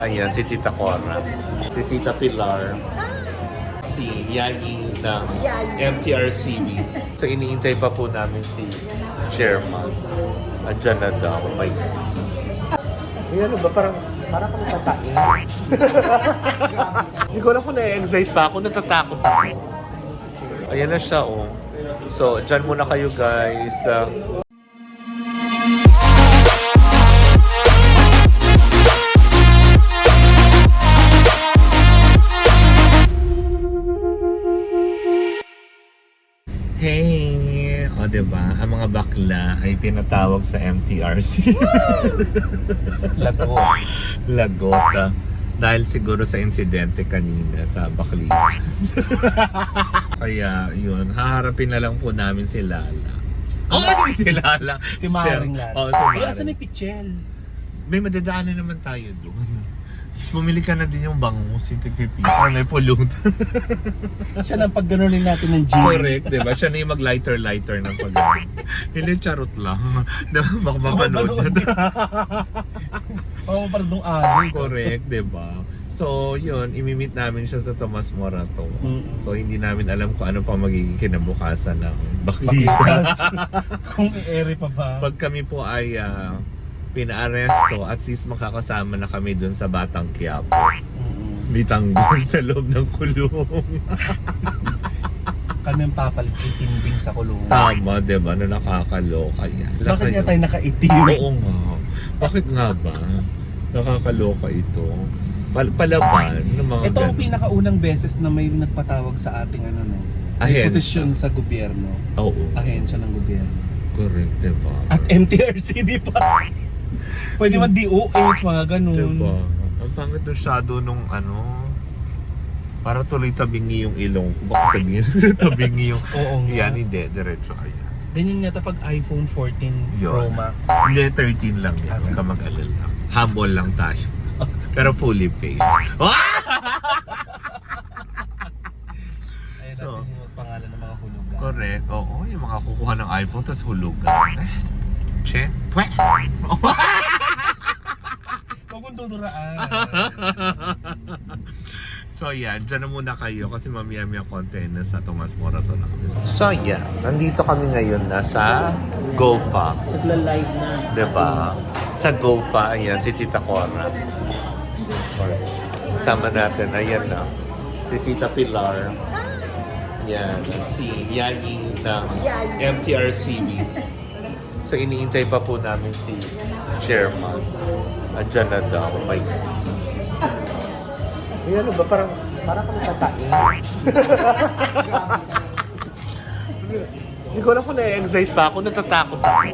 Ayan, si Tita Cora, si Tita Pilar, si Yayi ng MTRCB. So, iniintay pa po namin si Chairman. Andyan na daw. May... Ay, ano ba? Parang kami tatain. Hindi ko alam kung na-excite pa ako. Natatakot ako. Ayan na siya, oh. So, dyan muna kayo, guys. Hey! O, diba? Ang mga bakla ay pinatawag sa MTRC. Lagot. Dahil siguro sa insidente kanina sa Baklitan. Kaya, yun. Haharapin na lang po namin si Lala. Si Lala. Si Maring Lala. Oo, si Maring. Asan ni Pichel? May madadaanan naman tayo doon. Bumili ka na din yung bangus, yung tigpipi. May pollutant. Siya nang pagganunin natin ng gym. Correct, di ba? Siya na yung mag-lighter ng pag-ganon. Hindi, charot lang. Diba? Baka mapanood. Oo, parang doong ali. Correct, di ba? So, yun, imimit namin siya sa Tomas Morato. So, hindi namin alam kung ano pa magiging kinabukasan ng Baklitan. Kung i-ere pa ba? Pag kami po ay pina-aresto, at least makakasama na kami dun sa Batang Quiapo. Bitanggol sa loob ng kulong. Kami ang papalit kay Tinding sa kulungan. Tama, diba? Na nakakaloka yan. Bakit nga tayo nakaitim? Oo nga. Bakit nga ba? Nakakaloka ito. Palaban ng mga Ito ang ganun. pinakaunang beses na may nagpatawag sa ating ano no. Ahensya. Posisyon sa gobyerno. Oo. Ahensya ng gobyerno. Correct, diba? At MTRCB pa. Pwede man DOH, mga ganun. Diba? Ang pangit ng shadow nung ano, para tuloy tabingi yung ilong ko. Baka sabihin, tabingi yung... Oo nga. Yan, hindi. Diretso ayan. Ganyan nga pag iPhone 14 Pro Yun. Max. Hindi, 13 lang yan. Huwag ka mag-alala. Humble lang tayo. Pero fully paid. Ayun So, natin yung pangalan ng mga hulugan. Correct. Oo, yung mga kukuha ng iPhone tapos hulugan. Che? Pwe? Huwag mong duduraan. So yan, dyan na muna kayo kasi mamaya-maya konti na sa Tomas Morato na kami. So yan, nandito kami ngayon na sa GoFa. Nagla-live na. Diba? Sa GoFa, ayan, si Tita Cora. Kasama natin, ayan na. Si Tita Pilar. Yan, si Yayi ng MTRCB. So iniintay pa po namin si Chairman. Andyan na daw. May... Ay, ano ba? Parang kami tatain. Hindi ko alam kung na-excite pa ako. Natatakot ako.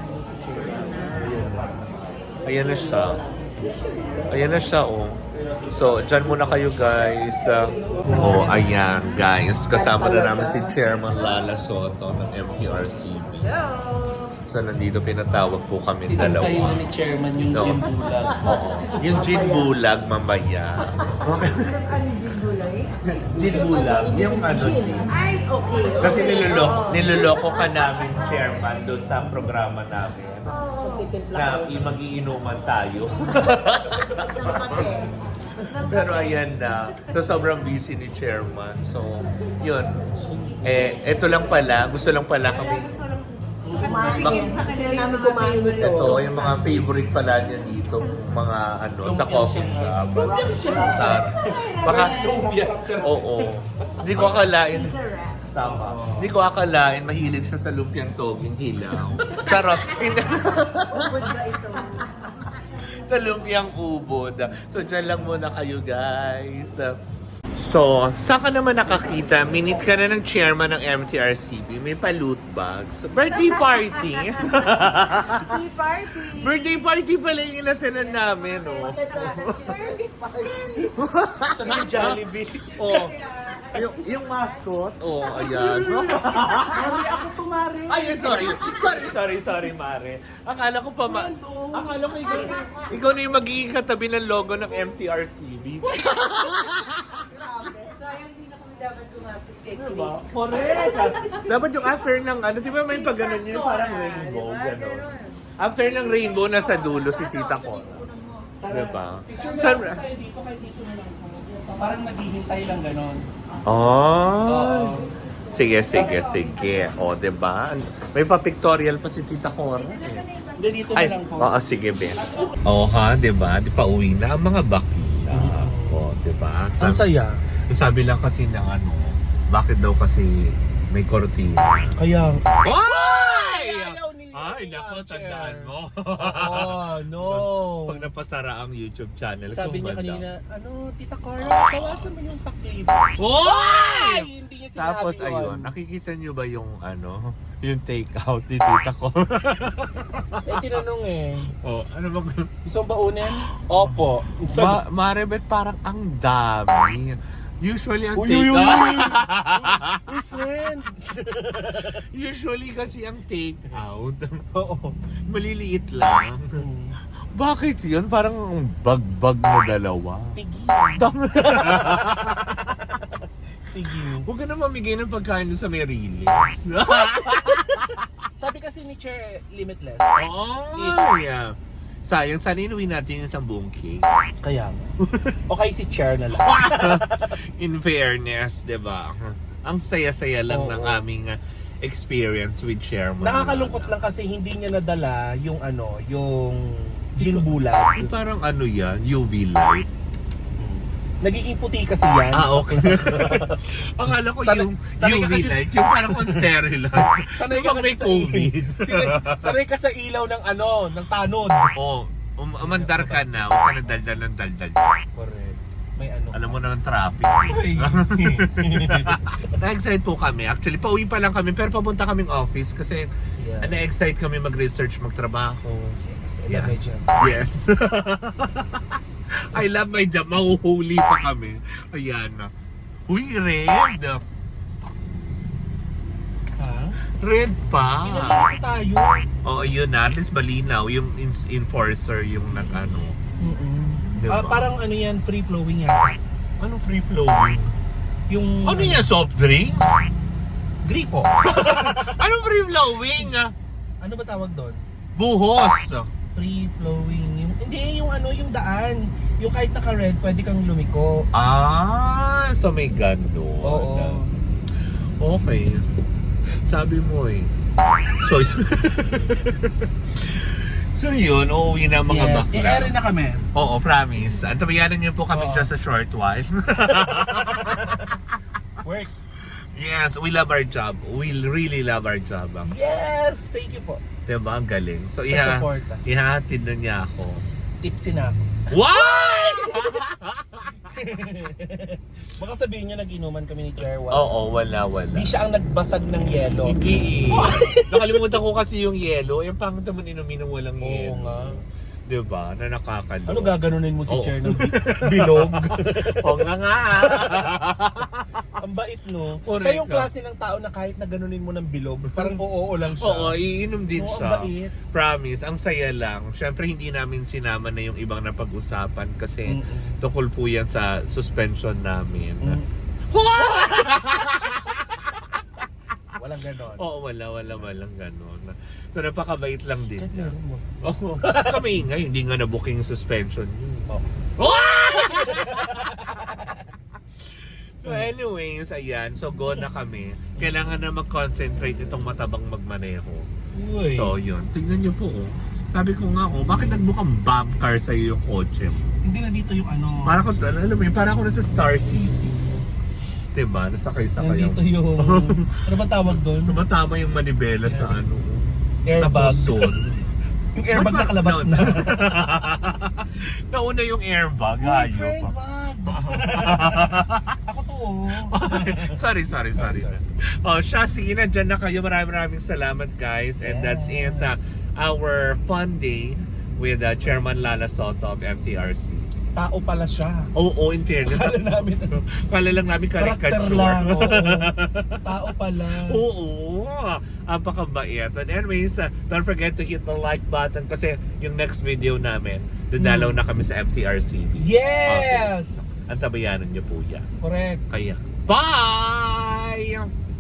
Ayan na siya. Ayan na siya, oh. So, dyan muna kayo, guys. Oh, ayan, guys. Kasama na namin si Chairman Lala Soto ng MTRCB. So, nandito pinatawag po kami dalawa. Kayo ni Chairman yung No. gym bulag. Oo. Yung gin bulag, mamaya. Ano gin gulay? Gin bulag? Yung ano, gin. Ay, okay. Kasi Oo. niloloko ka namin, Chairman, doon sa programa namin. Oo. Na magiinuman tayo. Ng kape. Pero ayan na. So, sobrang busy ni Chairman. So, yun. Eto lang pala. Gusto lang pala kami. Kumain. Sa kanila namin kumain ito. Ito, yung mga favorite pala niya dito. Mga ano, sa coffee shop. Baka, oo. Hindi ko akalain. Tama. Hindi ko akalain mahilig siya sa lumpiang toging hilaw. Charot. Ubod ba ito? Sa lumpiang ubod. So, dyan lang muna kayo, guys. So, saan ka naman nakakita? Minute ka na ng chairman ng MTRCB. May pa-loot bags. Birthday party! Tea party! Birthday party pala yung inatanan namin, oh. Cheers party! Ito na yung Jollibee. Oh. Yung mascot, oh, ayan. Mari ako tumari! Ay, sorry, Mare. Akala ko pa, akala ko ikaw na yung magiging katabi ng logo ng MTRCB. Sayang hindi na kami dapat gumastos kay Chris. Diba? Correct. Dapat yung after ng ano, di ba may pag ganun yun, parang rainbow, gano'n. After ng rainbow, nasa dulo si tita ko. Diba? Picture Saan- na tayo dito, kahit dito na lang po. Parang naghihintay lang ganon. Oh. Sige. O, diba? May pa-pictorial pa si Tita Cora. Hindi, dito na Ay, lang po. oo, sige, Ben. Oo ha, diba? Di pa uwi na ang mga bakla. O, diba? Ang saya. Sabi lang kasi ng ano, bakit daw kasi may kortina. Kaya, Ay! ayaw ni- Ay, nako, Chair. tandaan mo. oh, no. Pag napasara ang YouTube channel, Sabi niya kumanda. kanina, Tita Cora, bawasan mo yung paklib. Oy! Hindi niya sinabi Tapos yun. ayun, nakikita niyo ba yung ano, yung take out ni Tita ko? Tinanong Oh, ano bang gusto mo baunin? Opo. Marebet parang ang dami. Usually ang Uy, take uy, uy, out. Uy, friend. Usually kasi ang take out, Oo. maliliit lang. Bakit yun? Parang bag-bag na dalawa. Pigi. Tama. Pigi. Huwag ka na mamigay ng pagkain doon sa may release. Sabi kasi ni Chair, limitless. Oh, yeah. Sayang, sana inuwi natin yung isang buong cake. Kaya nga. Okay, si Chair na lang. In fairness, di ba? Ang saya-saya lang Oo. ng aming experience with Chairman. Nakakalungkot lang kasi hindi niya nadala yung yung gin bulag. Yung parang ano yan, UV light. Nagiging puti kasi yan. Okay. Akala ko Sanay- yung sanay ka UV kasi- light, yung parang on steroid. Sanay ka Yung kasi may COVID. Sanay ka sa ilaw ng ng tanod. Oh, umandar ka na, huwag ka na daldal ng daldal. Correct. May ano. Alam mo naman traffic. Ay. Na-excite po kami. Actually, pauwi pa lang kami pero papunta kaming office kasi Yes. na-excite kami mag-research, magtrabaho. Yes, Yeah. medyo. Yes. I love my job. Mahuhuli pa kami. Ayan. Uy, red. Ha? Red pa. Pinalito tayo. Oo, yun na. At least malinaw. Yung enforcer yung nag-ano. Diba? Parang ano yan, free-flowing yata. Anong free-flowing? Yung... Ano yan? Soft drinks? Gripo. Anong free-flowing? Ano ba tawag doon? Buhos. Free-flowing. Hindi, yung daan. Yung kahit naka-red, pwede kang lumiko. So may gano'n. Oo. Okay. Sabi mo eh. So yun, uuwi na ang mga Yes, bakla. i-air na kami. Oo, promise. Antabayanan niyo po kami Oo. just a short while. Work. Yes, we love our job. We really love our job. Yes! Thank you po. Diba? Ang galing. So, Sa suporta. ihahatid na niya ako. Tipsy na ako. Why? Baka sabihin niya nag-inuman kami ni Chair. Oo, wala. Di siya ang nagbasag ng yelo. Hindi. Nakalimutan ko kasi yung yellow. Yung pangit naman inumin ng walang Oo yellow. nga. Diba? Na nakakalo. Ano gaganunin mo si Oo. Chair ng bilog? Oo nga. Ang bait, no? Correct Siya yung ka. klase ng tao na kahit na ganunin mo ng bilog, parang oo lang siya. Oo, iinom din Oo, siya. ang bait. Promise, ang saya lang. Siyempre, hindi namin sinama na yung ibang napag-usapan kasi Mm-mm. tukol po yan sa suspension namin. Walang ganon. Oo, walang ganon. So, napakabait lang din Kahit niya. meron mo. Oo. Kami nga, hindi nga na-booking suspension yun. Oh. So anyways, ayan. So go na kami. Kailangan na mag-concentrate itong matabang magmaneho. Uy. So yun. Tingnan niyo po oh. Sabi ko nga oh, bakit nagbukang bomb car sa'yo yung kotse mo? Hindi na dito yung ano. Para ko, alam mo yun, para ako nasa Star City. Diba? Nasakay-sakay Nandito yung... ano ba tawag doon? Tumatama yung manibela sa ano. Airbag. Sa puson. Yung airbag Ba't ba- nakalabas no, na. Nauna yung airbag. Uy, Ayaw friend, pa. wag. Ako to, oh. sorry. Oh, siya, sige na, dyan na kayo. Maraming salamat, guys. And that's it. Our fun day with Chairman Lala Soto of MTRC. Tao pala siya. Oo, in fairness. Kala namin, Kala lang namin karakter caricature. lang. Oo. Tao pala. Oo, ang pakabait. And anyways, don't forget to hit the like button kasi yung next video namin, dadalaw na kami sa MTRCB. Yes! Ang sabayanan niyo po yan. Correct. Kaya, bye!